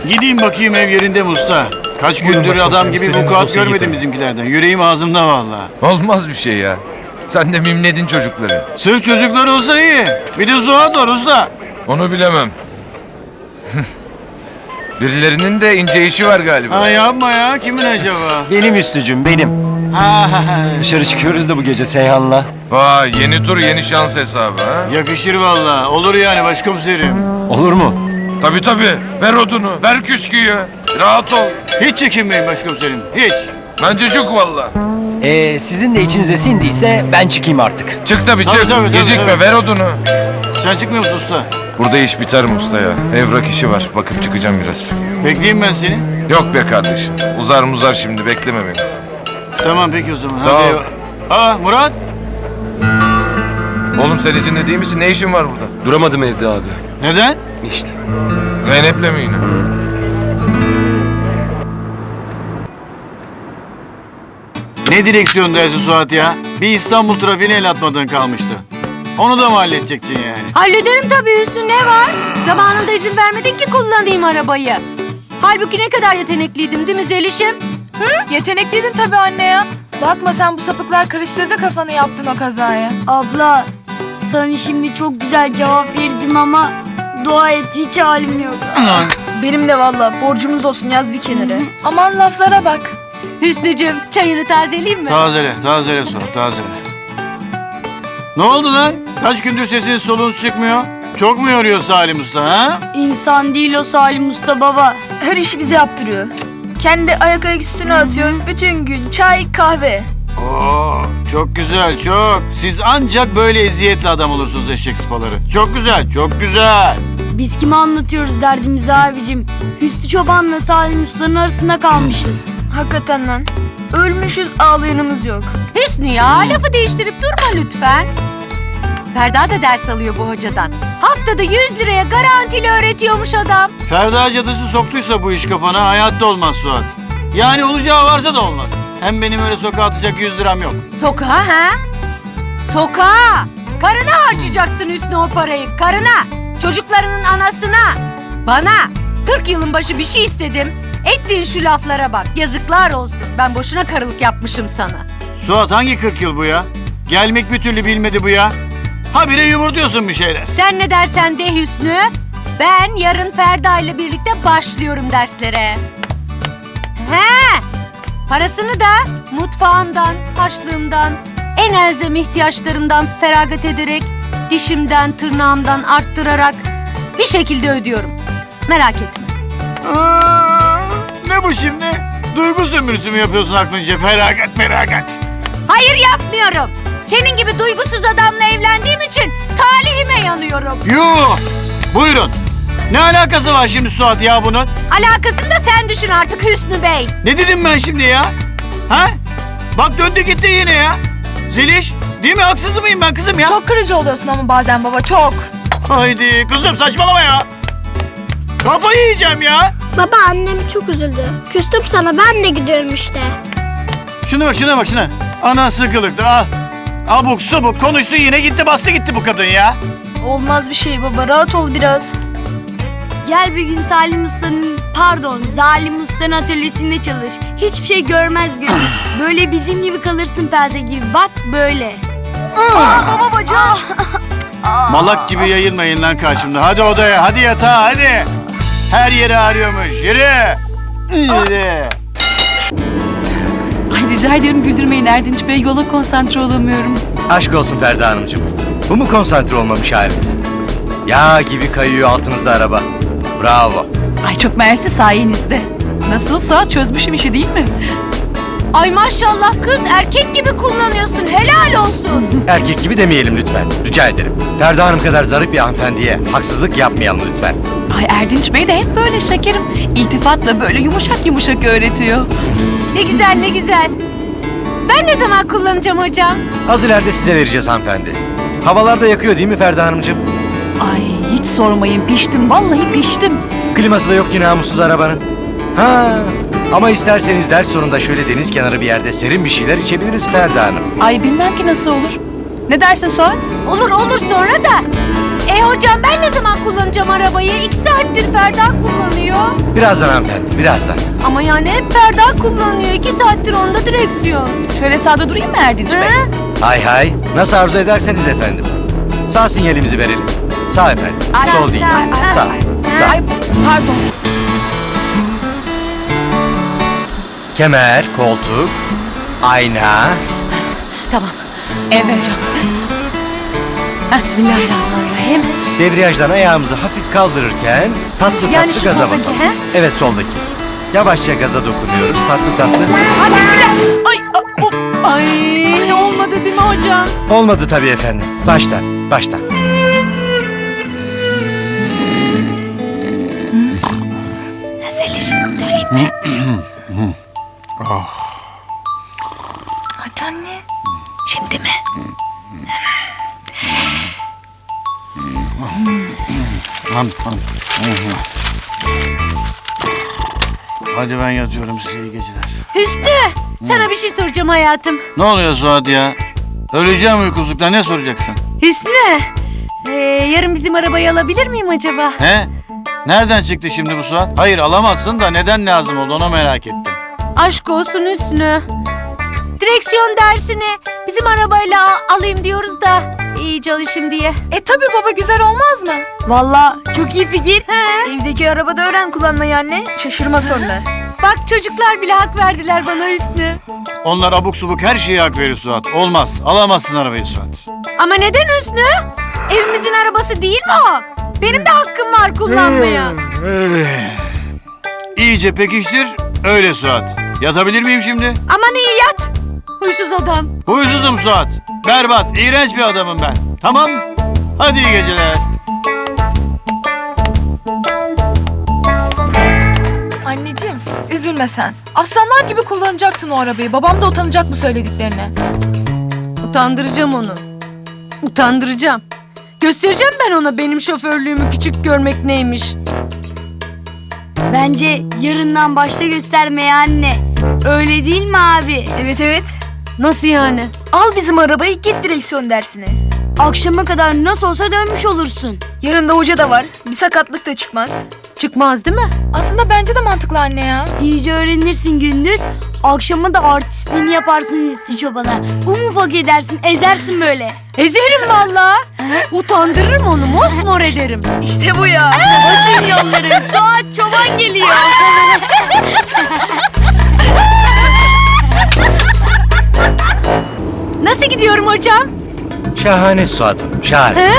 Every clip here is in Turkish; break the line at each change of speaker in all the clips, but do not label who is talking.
Gideyim bakayım ev yerinde mi usta? Kaç
Buyurun
gündür
başkomiserim,
adam gibi
istediğiniz
vukuat
dosyayı
görmedim
getirin.
bizimkilerden. Yüreğim ağzımda vallahi.
Olmaz bir şey ya. Sen de mimledin çocukları.
Sırf çocuklar olsa iyi. Bir de Suat var usta.
Onu bilemem. Birilerinin de ince işi var galiba.
Ha yapma ya. Kimin acaba?
Benim Üstücüm, benim.
Ha,
Dışarı çıkıyoruz da bu gece Seyhan'la.
Vay, yeni tur yeni şans hesabı ha.
yakışır vallahi. Olur yani başkomiserim.
Olur mu?
Tabii. Ver odunu, ver küsküyü. Rahat ol.
Hiç çekinmeyin başkomiserim. Hiç.
Bence çok valla.
Sizin de içinize sindiyse ben çıkayım artık.
Çık tabii
Tabii,
çık.
tabii,
Gecikme,
tabii.
ver odunu.
Sen çıkmıyor musun usta?
Burada iş biter mi usta ya? Evrak işi var. Bakıp çıkacağım biraz.
Bekleyeyim ben seni.
Yok be kardeşim. Uzar muzar şimdi. Bekleme beni.
Tamam peki o zaman.
Sağ
Hadi
ol.
Aa Murat.
Oğlum sen içinde değil misin? Ne işin var burada?
Duramadım evde abi.
Neden?
İşte.
Zeynep'le mi yine?
Ne direksiyon dersi Suat ya? Bir İstanbul trafiğine el atmadığın kalmıştı. Onu da mı halledeceksin yani?
Hallederim tabii Hüsnü, ne var? Zamanında izin vermedin ki kullanayım arabayı. Halbuki ne kadar yetenekliydim değil mi Zeliş'im?
Yetenekliydin tabii anne ya. Bakma sen, bu sapıklar karıştırdı kafanı, yaptın o kazaya.
Abla, sana şimdi çok güzel cevap verdim ama dua et, hiç halim yok.
Benim de valla, borcumuz olsun, yaz bir kenara. Aman laflara bak.
Hüsnü'cüm, çayını tazeleyeyim mi?
Tazele Suat, tazele. Ne oldu lan? Kaç gündür sesiniz solunuz çıkmıyor? Çok mu yoruyor Salim Usta ha?
İnsan değil o Salim Usta baba.
Her işi bize yaptırıyor. Kendi ayak üstüne atıyor. Bütün gün çay, kahve.
Oo, çok güzel, çok. Siz ancak böyle eziyetli adam olursunuz eşek sıpaları. Çok güzel, çok güzel.
Biz kime anlatıyoruz derdimizi abicim? Hüsnü Çoban'la Salim Usta'nın arasında kalmışız.
Hakikaten lan. Ölmüşüz, ağlayanımız yok.
Hüsnü ya, lafı değiştirip durma lütfen. Ferda da ders alıyor bu hocadan. Haftada 100 liraya garantili öğretiyormuş adam.
Ferda cadısı soktuysa bu iş kafana hayatta olmaz Suat. Yani olacağı varsa da olmaz. Hem benim öyle sokağa atacak 100 liram yok.
Sokağa ha? Sokağa! Karına harcayacaksın Hüsnü o parayı, karına. Çocuklarının anasına. Bana 40 yılın başı bir şey istedim. Ettiğin şu laflara bak, yazıklar olsun. Ben boşuna karılık yapmışım sana.
Suat hangi 40 yıl bu ya? Gelmek bir türlü bilmedi bu ya. Habire yumurtuyorsun bir şeyler.
Sen ne dersen de Hüsnü. Ben yarın Ferda ile birlikte başlıyorum derslere. He! Parasını da mutfağımdan, harçlığımdan, en elzem ihtiyaçlarımdan feragat ederek, dişimden, tırnağımdan arttırarak bir şekilde ödüyorum. Merak etme.
Ne bu şimdi? Duygu sömürüsü mü yapıyorsun aklınca? Feragat.
Hayır, yapmıyorum. Senin gibi duygusuz adamla evlendiğim için talihime yanıyorum.
Yuh! Buyurun. Ne alakası var şimdi Suat ya bunun?
Alakasını da sen düşün artık Hüsnü Bey.
Ne dedim ben şimdi ya? Ha? Bak döndü gitti yine ya. Zeliş, değil mi? Haksız mıyım ben kızım ya?
Çok kırıcı oluyorsun ama bazen baba, çok.
Haydi kızım saçmalama ya. Kafayı yiyeceğim ya.
Baba, annem çok üzüldü. Küstüm sana, ben de gidiyorum işte.
Şuna bak şuna. Ana sıkılıktı al. Abuk subuk konuştu yine gitti bastı gitti bu kadın ya.
Olmaz bir şey baba, rahat ol biraz.
Gel bir gün Zalim Usta'nın atölyesinde çalış. Hiçbir şey görmez gözün. Böyle bizim gibi kalırsın perde gibi. Bak böyle.
Baba bacağım.
Malak gibi yayılmayın lan karşımda. Hadi odaya hadi yatağa hadi. Her yeri ağrıyormuş yürü. Yürü.
Ay rica ederim güldürmeyin Erdinç Bey. Yola konsantre olamıyorum.
Aşk olsun Ferda Hanımcığım. Bu mu konsantre olmamış haliniz? Yağ gibi kayıyor altınızda araba. Bravo.
Ay çok mersi sayenizde. Nasıl Suat, çözmüşüm işi değil mi?
Ay maşallah kız, erkek gibi kullanıyorsun, helal olsun.
Erkek gibi demeyelim lütfen. Rica ederim. Ferda Hanım kadar zarif bir hanımefendiye haksızlık yapmayalım lütfen.
Ay Erdinç Bey de hep böyle şekerim. İltifatla böyle yumuşak öğretiyor.
Ne güzel ne güzel. Ben ne zaman kullanacağım hocam?
Az ileride size vereceğiz hanımefendi. Havalar da yakıyor değil mi Ferda Hanımcığım?
Ay hiç sormayın, piştim vallahi piştim.
Kliması da yok ki namussuz arabanın. Ha, ama isterseniz ders sonunda şöyle deniz kenarı bir yerde serin bir şeyler içebiliriz Ferda Hanım.
Ay bilmem ki nasıl olur. Ne dersin Suat?
Olur sonra da Hocam ben ne zaman kullanacağım arabayı? 2 saattir Ferda kullanıyor.
Birazdan hanımefendi, birazdan.
Ama yani hep Ferda kullanıyor. 2 saattir onda direksiyon.
Şöyle sağda durayım mı Erdinç Bey?
Hay hay, nasıl arzu ederseniz efendim. Sağ sinyalimizi verelim. Sağ efendim, sol değil. Sağ, sağ.
Ay pardon.
Kemer, koltuk, ayna.
Tamam.
Evet hocam.
Bismillahirrahmanirrahim.
Debriyajdan ayağımızı hafif kaldırırken tatlı
Yani
tatlı
şu
gaza
soldaki,
basalım.
he?
Evet soldaki. Yavaşça gaza dokunuyoruz tatlı tatlı.
Ay bismillah. Ay olmadı değil mi hocam?
Olmadı tabii efendim. Baştan, baştan.
Zeliş söyleyeyim mi?
Hadi anne.
Şimdi mi?
Tamam. Hadi ben yatıyorum, size iyi geceler.
Hüsnü sana bir şey soracağım hayatım.
Ne oluyor Suat ya? Öleceğim uykusuzluktan, ne soracaksın?
Hüsnü yarın bizim arabayı alabilir miyim acaba?
He? Nereden çıktı şimdi bu Suat? Hayır alamazsın da neden lazım oldu onu merak ettim.
Aşk olsun Hüsnü. Direksiyon dersini bizim arabayla alayım diyoruz da iyi çalışayım diye.
Tabii baba güzel olmaz mı?
Valla çok iyi fikir. Evdeki arabada öğren kullanmayı anne. Şaşırma sonra.
Bak çocuklar bile hak verdiler bana Hüsnü.
Onlar abuk subuk her şeye hak verir Suat. Olmaz. Alamazsın arabayı Suat.
Ama neden Hüsnü? Evimizin arabası değil mi o? Benim de hakkım var kullanmaya.
İyice pekiştir. Öyle Suat. Yatabilir miyim şimdi?
Aman iyi yat. Huysuz adam.
Huysuzum Suat. Berbat, iğrenç bir adamım ben. Tamam? Hadi iyi geceler.
Anneciğim üzülme sen. Aslanlar gibi kullanacaksın o arabayı. Babam da utanacak bu söylediklerine.
Utandıracağım onu. Utandıracağım. Göstereceğim ben ona benim şoförlüğümü küçük görmek neymiş.
Bence yarından başta göstermeye anne. Öyle değil mi abi?
Evet evet. Nasıl yani?
Al bizim arabayı git direksiyon dersine. Akşama kadar nasıl olsa dönmüş olursun. Yarın da hoca da var. Bir sakatlık da çıkmaz.
Çıkmaz değil mi?
Aslında bence de mantıklı anne ya.
İyice öğrenirsin gündüz. Akşama da artistliğini yaparsın üstü çobana. Ufak edersin, ezersin böyle.
Ezerim valla. Utandırırım onu, mosmor ederim.
İşte bu ya. Açın yolları. Suat çoban geliyor.
Nasıl gidiyorum hocam?
Şahane Suat'ım, şahane.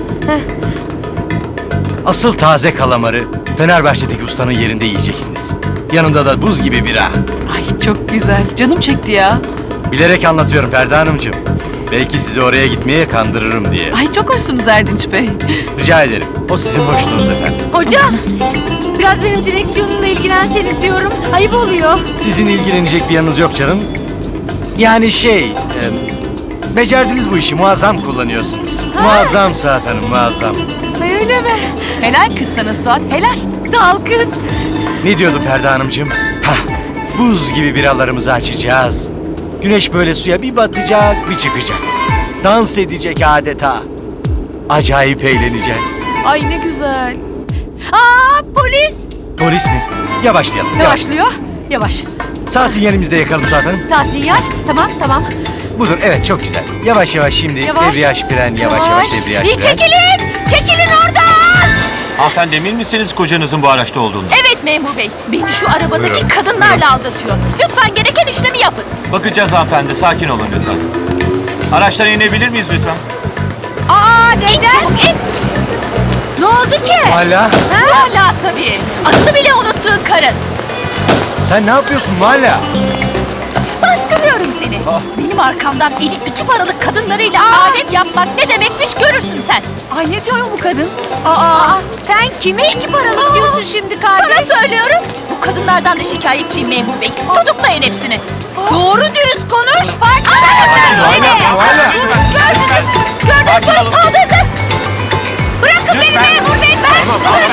Asıl taze kalamarı Fenerbahçe'deki ustanın yerinde yiyeceksiniz. Yanında da buz gibi bira.
Ay çok güzel. Canım çekti ya.
Bilerek anlatıyorum Ferda Hanımcığım. Belki sizi oraya gitmeye kandırırım diye.
Ay çok hoşsunuz Erdinç Bey.
Rica ederim. O sizin hoşluğunuz efendim.
Hocam, biraz benim direksiyonumla ilgilenseniz diyorum. Ayıp oluyor.
Sizin ilgilenecek bir yanınız yok canım. Yani becerdiniz bu işi, muazzam kullanıyorsunuz. Muazzam Suat Hanım, muazzam.
Ay öyle mi?
Helal kız sana Suat. Helal.
Sağ ol kız.
Ne diyordu Ferda Hanımcığım? Hah, buz gibi biralarımızı açacağız. Güneş böyle suya bir batacak, bir çıkacak. Dans edecek adeta. Acayip eğleneceğiz.
Ay ne güzel.
Aa polis.
Polis mi? Yavaşlayalım. Yavaş.
Yavaşlıyor. Yavaş.
Sağ sinyalimizde yakalım Suat Hanım.
Sağ sinyal. Tamam tamam.
Budur, evet çok güzel. Yavaş yavaş şimdi.
Yavaş.
Debriyaj fren, yavaş yavaş debriyaj
Bir
fren.
çekilin. Çekilin oradan.
Hanımefendi emin misiniz kocanızın bu araçta olduğunu?
Evet memur bey. Beni şu arabadaki
Buyurun.
kadınlarla aldatıyor. Lütfen gereken işlemi yapın.
Bakacağız hanımefendi, sakin olun lütfen. Araçtan inebilir miyiz lütfen?
Aa
İn
neden?
çabuk in.
Ne oldu ki?
Hala?
Hala tabii. Adını bile unuttuğun karın.
Sen ne yapıyorsun Hala?
Bastırıyorum seni. Benim arkamdan eli 2 paralık kadınlarıyla alem yapmak ne demekmiş görürsün sen.
Ay ne diyor bu kadın?
Aa sen kime 2 paralık diyorsun şimdi kardeş?
Sana söylüyorum. Bu kadınlardan da şikayetçiyim memur bey. Tutuklayın hepsini.
Doğru dürüst konuş. Parçalarım seni.
Gördünüz mü saldırdı.
Bırakın beni memur bey. Ben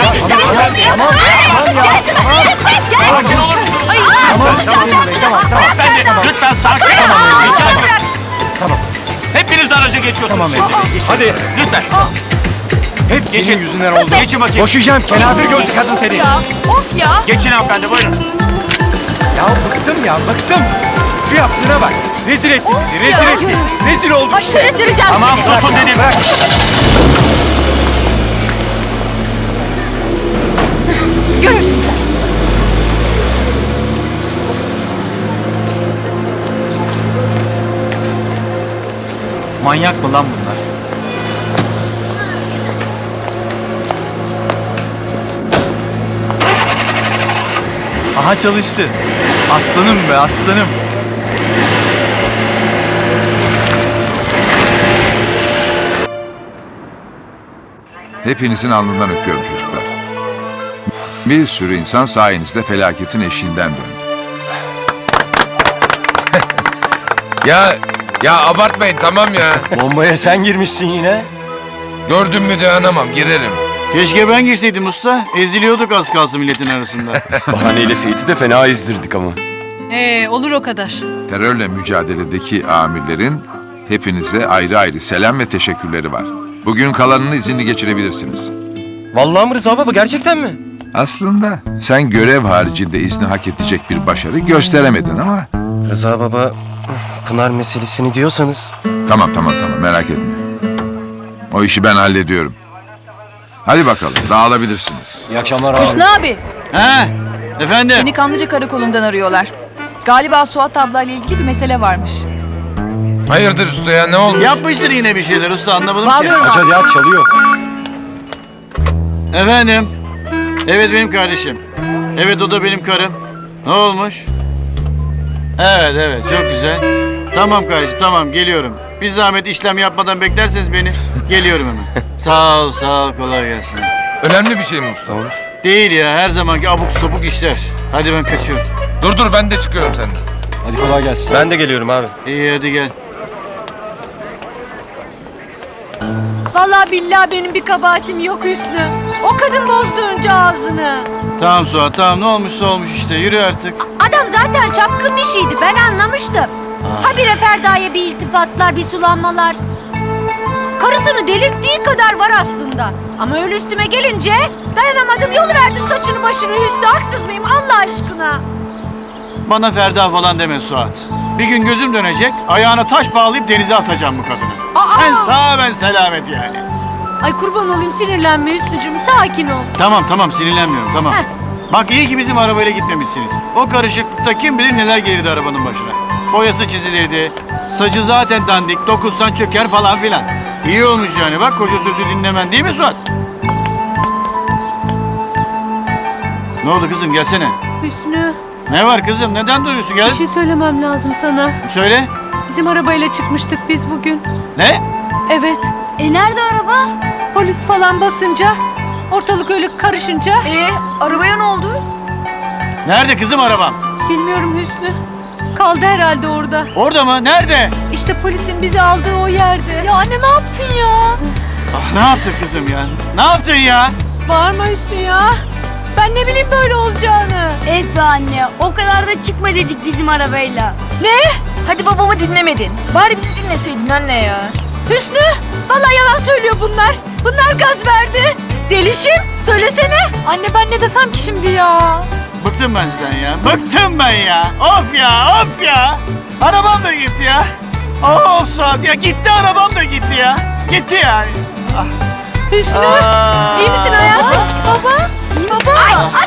Hanımefendi lütfen sakin olun. Rica ederim.
Tamam.
Hepiniz araca geçiyorsunuz
Tamam
şimdi.
efendim, geçiyorum.
Hadi lütfen.
Hep senin
Geçin.
yüzünden
Sus
oldu.
be. Geçin bakayım.
Boşayacağım kenafir gözlü kadın seni.
Ya of ya.
Geçin hanımefendi buyurun.
Ya bıktım ya bıktım. Şu yaptığına bak. Rezil etti bizi. Rezil etti. Rezil olduk işte.
Aşırı
Tamam
seni.
susun dedim.
Bırak.
Görürsün sen.
Manyak mı lan bunlar?
Aha çalıştı. Aslanım be aslanım.
Hepinizin alnından öpüyorum çocuklar. Bir sürü insan sayenizde felaketin eşiğinden döndü.
Ya abartmayın tamam ya.
Bombaya sen girmişsin yine.
Gördün mü dayanamam girerim.
Keşke ben girseydim usta. Eziliyorduk az kalsın milletin arasında.
Bahaneyle Seyit'i de fena ezdirdik ama.
Olur o kadar.
Terörle mücadeledeki amirlerin hepinize ayrı ayrı selam ve teşekkürleri var. Bugün kalanını izinli geçirebilirsiniz.
Vallahi mı Rıza baba gerçekten mi?
Aslında sen görev haricinde izni hak edecek bir başarı gösteremedin ama...
Rıza baba Pınar meselesini diyorsanız.
Tamam merak etme. O işi ben hallediyorum. Hadi bakalım dağılabilirsiniz.
İyi akşamlar abi.
Hüsnü abi.
He? Efendim?
Seni Kanlıca Karakolu'ndan arıyorlar. Galiba Suat ablayla ilgili bir mesele varmış.
Hayırdır usta ya ne olmuş?
Yapmıştır yine bir şeyler usta anlamadım
Bağlıyorum
Aç hadi aç çalıyor.
ki. Efendim? Evet benim kardeşim. Evet o da benim karım. Ne olmuş? Evet çok güzel. Tamam kardeşim tamam geliyorum. Bir zahmet işlem yapmadan beklerseniz beni. Geliyorum hemen. Sağ ol kolay gelsin.
Önemli bir şey mi usta?
Değil ya her zamanki abuk sabuk işler. Hadi ben kaçıyorum.
Dur ben de çıkıyorum senden.
Hadi kolay gelsin. Ben de geliyorum abi.
İyi hadi gel.
Vallahi billahi benim bir kabahatim yok Hüsnü. O kadın bozdu önce ağzını.
Tamam Suat tamam ne olmuşsa olmuş işte yürü artık.
Adam zaten çapkın bir şeydi ben anlamıştım. Habire Ferda'ya bir iltifatlar, bir sulanmalar. Karısını delirttiği kadar var aslında. Ama öyle üstüme gelince dayanamadım yolu verdim saçını başını Hüsnü. Haksız mıyım Allah aşkına?
Bana Ferda falan deme Suat. Bir gün gözüm dönecek ayağına taş bağlayıp denize atacağım bu kadını. Sen sağ ben selamet yani.
Ay kurban olayım sinirlenme Hüsnücüğüm sakin ol.
Tamam sinirlenmiyorum tamam.
Heh.
Bak iyi ki bizim arabayla gitmemişsiniz. O karışıklıkta kim bilir neler gelirdi arabanın başına. Boyası çizilirdi. Sacı zaten dandik. Dokunsan çöker falan filan. İyi olmuş yani bak koca sözü dinlemen değil mi Suat? Ne oldu kızım gelsene.
Hüsnü
Ne var kızım neden duruyorsun gel.
bir şey söylemem lazım sana.
Söyle.
Bizim arabayla çıkmıştık biz bugün.
Ne?
Evet.
Nerede araba?
Polis falan basınca, ortalık öyle karışınca
Arabaya ne oldu?
Nerede kızım arabam?
bilmiyorum Hüsnü. Kaldı herhalde orada.
Orada mı? Nerede?
İşte polisin bizi aldığı o yerde.
Ya anne ne yaptın ya?
Ah, ne yaptın kızım ya? Ne yaptın ya?
Bağırma Hüsnü ya. Ben ne bileyim böyle olacağını.
Evet be anne o kadar da çıkma dedik bizim arabayla.
Ne?
Hadi babamı dinlemedin. Bari bizi dinleseydin anne ya.
Hüsnü? Vallahi yalan söylüyor bunlar. Bunlar gaz verdi. Zelişim söylesene.
Anne ben ne desem ki şimdi ya?
Bıktım ben sizden ya. Bıktım ben ya. Of ya. Arabam da gitti ya. Of Suat ya gitti arabam da gitti ya. Gitti yani.
Hüsnü
Aa.
iyi misin hayatım? Baba iyi misin?